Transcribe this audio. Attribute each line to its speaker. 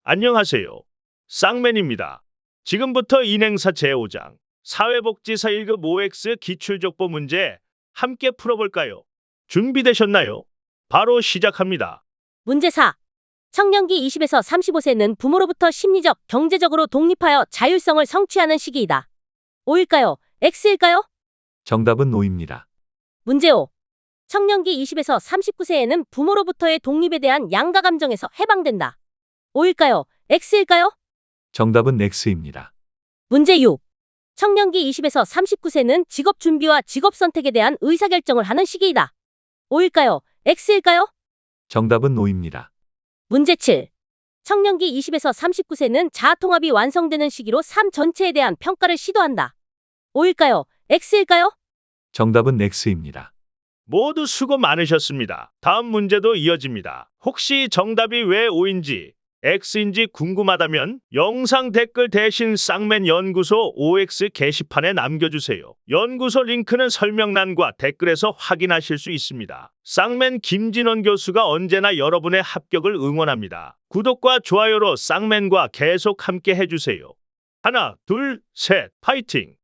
Speaker 1: 안녕하세요. 쌍맨입니다. 지금부터 인행사 제5장 사회복지사 1급 OX 기출족보 문제 함께 풀어볼까요? 준비되셨나요? 바로 시작합니다.
Speaker 2: 문제 4. 청년기 20에서 35세는 부모로부터 심리적, 경제적으로 독립하여 자율성을 성취하는 시기이다. O일까요? X일까요?
Speaker 3: 정답은 O입니다.
Speaker 2: 문제 5. 청년기 20에서 39세에는 부모로부터의 독립에 대한 양가 감정에서 해방된다. O일까요? X일까요?
Speaker 3: 정답은 X입니다.
Speaker 2: 문제 6. 청년기 20에서 39세는 직업 준비와 직업 선택에 대한 의사결정을 하는 시기이다. O일까요? X일까요?
Speaker 3: 정답은 O입니다.
Speaker 2: 문제 7. 청년기 20에서 39세는 자아통합이 완성되는 시기로 삶 전체에 대한 평가를 시도한다. O일까요? X일까요?
Speaker 3: 정답은 X입니다.
Speaker 1: 모두 수고 많으셨습니다. 다음 문제도 이어집니다. 혹시 정답이 왜 O인지 X인지 궁금하다면 영상 댓글 대신 쌍맨 연구소 OX 게시판에 남겨주세요. 연구소 링크는 설명란과 댓글에서 확인하실 수 있습니다. 쌍맨 김진원 교수가 언제나 여러분의 합격을 응원합니다. 구독과 좋아요로 쌍맨과 계속 함께 해주세요. 하나, 둘, 셋, 파이팅!